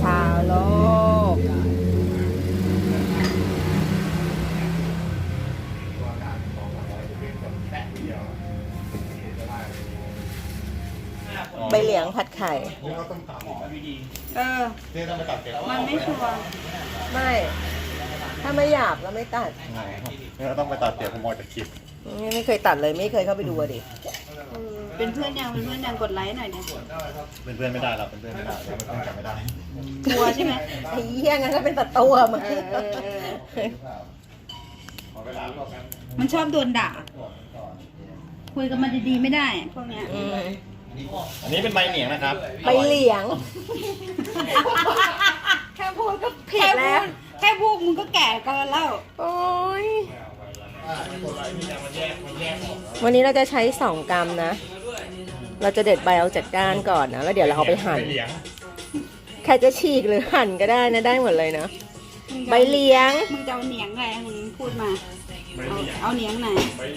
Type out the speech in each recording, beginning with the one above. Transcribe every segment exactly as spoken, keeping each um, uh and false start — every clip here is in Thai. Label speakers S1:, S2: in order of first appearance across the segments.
S1: าวโลกใบเหลียงผัดไข่
S2: เออ
S3: นี่ต้องไปตัดเก็บ
S2: มันไม่ชัวร์
S1: ไม่ ถ้าไม่หยาบเราไม่ตัด
S3: นี่เราต้องไปตัดเก็บขโมยจากคลิป
S1: ไม่เคยตัดเลยไม่เคยเข้าไปดูดิ
S2: เป็นเพื่อนยังเป็นเพื่อนยังกดไลค์หน่อยเนี่ย
S3: เป็นเพื่อนไม่ได้เราเป็นเพื่อนไม่ได้เราเป็นเพื่อนกันไม่ได้
S2: กลัวใช่ไหม
S1: ไอ้เหี้ยงั้นก็เป็นศัตรูมั้ง
S2: มันชอบโดนด่าคุยกับมันดีๆไม่ได้พวกเนี้ย
S3: อันนี้เป็นใบเหนียงนะครับ
S1: ใบเหลียงแค่พูดก็ผิดแล้ว
S2: แค่พูดมึงก็แก่เกินแล้ว
S1: โอ้ยวันนี้เราจะใช้สองกรัมนะเราจะเด็ดใบเอาจัดก้านก่อนนะแล้วเดี๋ยวเราเอาไปหั่นใครจะฉีกหรือหั่นก็ได้นะได้หมดเลยนะใบเหลียง
S2: มึงจะเอาเหนียงไงมึงพูดมาเอาเอาเหนียงไหน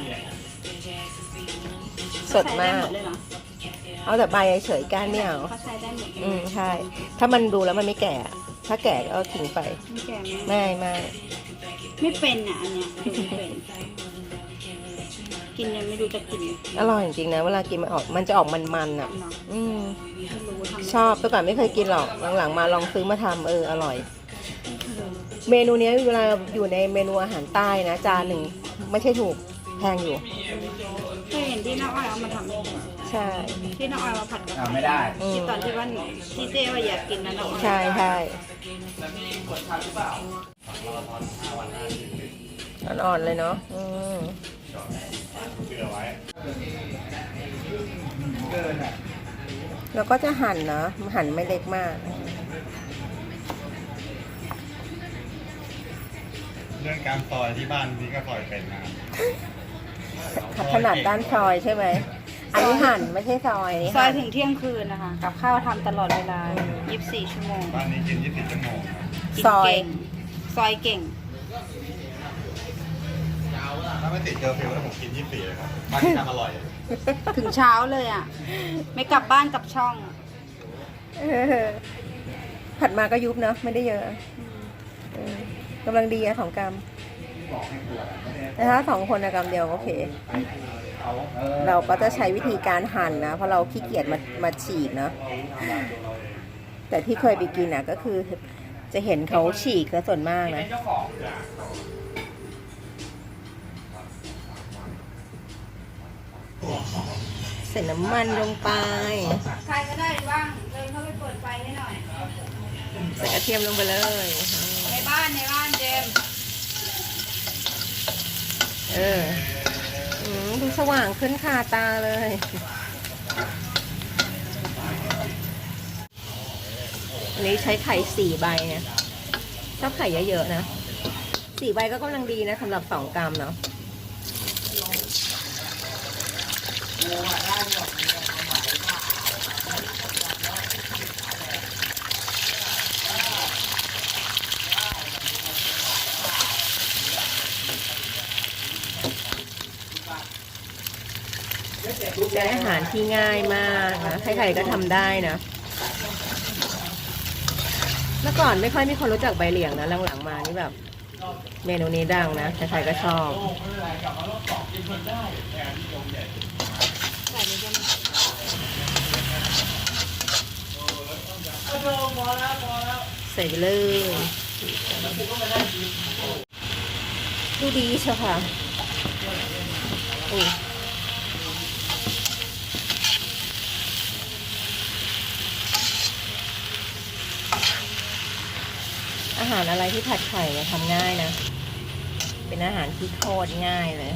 S1: สดมากเอาแต่ใบเฉยก้านไม่เอา
S2: เขาใช้ได้หมด
S1: อืมใช่ถ้ามันดูแล้วมันไม่แก่ถ้าแก่ก็เอาทิ้งไป
S2: ไม่แก่
S1: ไม่ไม่
S2: ไม่เป็นอ่ะอันเนี้ยไม่เป็นกินยังไม่รู้จะกิน
S1: อร่อยจริงๆนะเวลากินมันออกมันจะออกมันๆอ่ะอืมชอบแต่ก่อนไม่เคยกินหรอกหลังๆมาลองซื้อมาทำเอออร่อยเมนูนี้เวลาอยู่ในเมนูอาหารใต้นะจานหนึ่งไม่ใช่ถูกแพงอยู่
S2: เคยเห็นที่น้าอ้อยเอามาทำ
S1: ใช่
S2: ที่น้าอ้อยมาผัดกับ
S3: ไม่ได้
S2: ที่ตอนที่ว่าที่เจ๊ว่าอยากกินนะน้าอ้อย
S1: ใช่ใช่อ่อนๆเลยเนาะอืมแล้วก็จะหั่นนะหั่นไม่เล็กมาก
S3: เรื่องการซอยที่บ้านนี่ก็ซอยเป็นนะ
S1: ขัดถนัดด้านซอยใช่ไหมอันนี้หั่นไม่ใช่ซอย
S2: ซอยถึงเที่ยงคืนนะคะกับข้าวทำตลอดเวลายี่สิบสี่ชั่วโมง
S3: บ้านนี้กินยี่สิบสี่ชั่วโมง
S1: ซอย
S2: ซอยเก่ง
S3: ถ้าไม่ติดเจอฟิวแล้วผมกินยี่สิบสี่เลยครับบ้านที่ทำอร่อย
S2: ถึงเช้าเลยอ่ะไม่กลับบ้านกลับช่อง
S1: ผัดมาก็ยุบเนาะไม่ได้เยอะกำลังดีอะสองกรัมแต่ถ้าสองคนนะกรัมเดียวโอเคเราก็จะใช้วิธีการหั่นนะเพราะเราขี้เกียจมามาฉีกเนาะแต่ที่เคยไปกินอะก็คือจะเห็นเขาฉีกแล้วส่วนมากนะใส่น้ำมันลงไป
S2: ใครก็ได้บ้างเลยเข้าไปเปิดไฟให้หน่อย
S1: ใส่กระเทียมลงไปเลย
S2: ในบ้านในบ้านเจม
S1: เออดูสว่างขึ้นคาตาเลยอันนี้ใช้ไข่สี่ใบเนี่ยชอบไข่เยอะๆนะสี่ใบก็กำลังดีนะสำหรับสองกรัมเนาะเป็นอาหารที่ง่ายมากนะใครๆก็ทำได้นะเมื่อก่อนไม่ค่อยมีคนรู้จักใบเหลียงนะหลังๆมานี่แบบเมนูนี้ดังนะใครๆก็ชอบใส่ไปเลยดูดีใช่ค่ะอาหารอะไรที่ผัดไข่เนี่ยทำง่ายนะเป็นอาหารที่โคตรง่ายเลย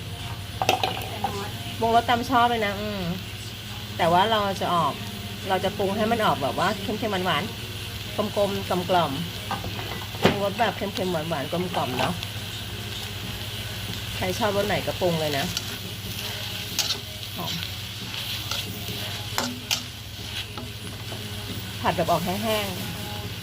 S1: ปรุงรสตามชอบเลยนะอืมแต่ว่าเราจะออกเราจะปรุงให้มันออกแบบว่าเค็มๆหวานๆกลมๆกล่อมๆปรุงรสแบบเค็มๆหวานๆกลมๆเนาะใครชอบรสไหนก็ปรุงเลยนะหอมผัดแบบออกแห้งๆ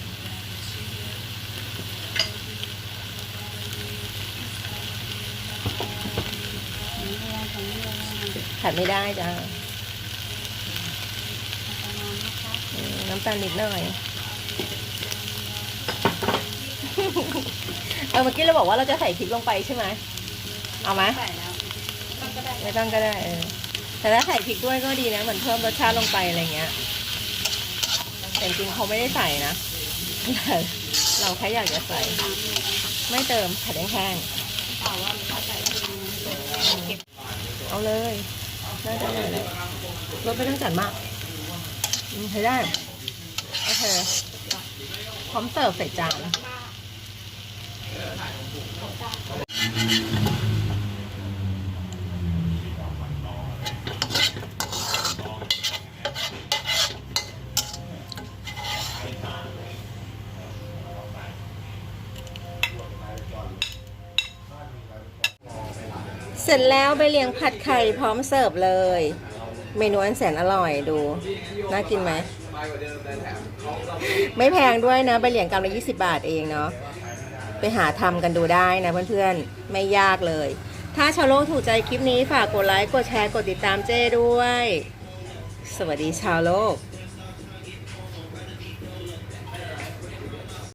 S1: ผัดไม่ได้จ้าน้ำตาลนิดหน่อยเออเมื่อกี้เราบอกว่าเราจะใส่พริกลงไปใช่ไหมเอาไหม
S2: ใส่แล้วมันก็ได้
S1: ไม่ต้องก็ได้เออแต่ถ้าใส่พริกด้วยก็ดีนะเหมือนเพิ่มรสชาติลงไปอะไรเงี้ยแต่จริงๆเขาไม่ได้ใส่นะ เราแค่อยากจะใส่ ไม่เติมผัดแห้ง
S2: เอาว่ามันก็ใส่แล้วเก็บ
S1: ๆเอาเลยน่าจะเลยเลยรสไม่ต้องจัดมากอืมใช้ได้โอเคพร้อมเสิร์ฟใส่จาน เสร็จแล้วใบเหลียงผัดไข่พร้อมเสิร์ฟเลย เมนูอันแสนอร่อยดู น่ากินไหม ไม่แพงด้วยนะใบเหลียงกรัมละยี่สิบบาทเองเนาะไปหาทำกันดูได้นะเพื่อนๆ ไม่ยากเลย ถ้าชาวโลกถูกใจคลิปนี้ฝากกดไลค์ กดแชร์ กดติดตามเจ้ด้วย สวัสดีชาวโลก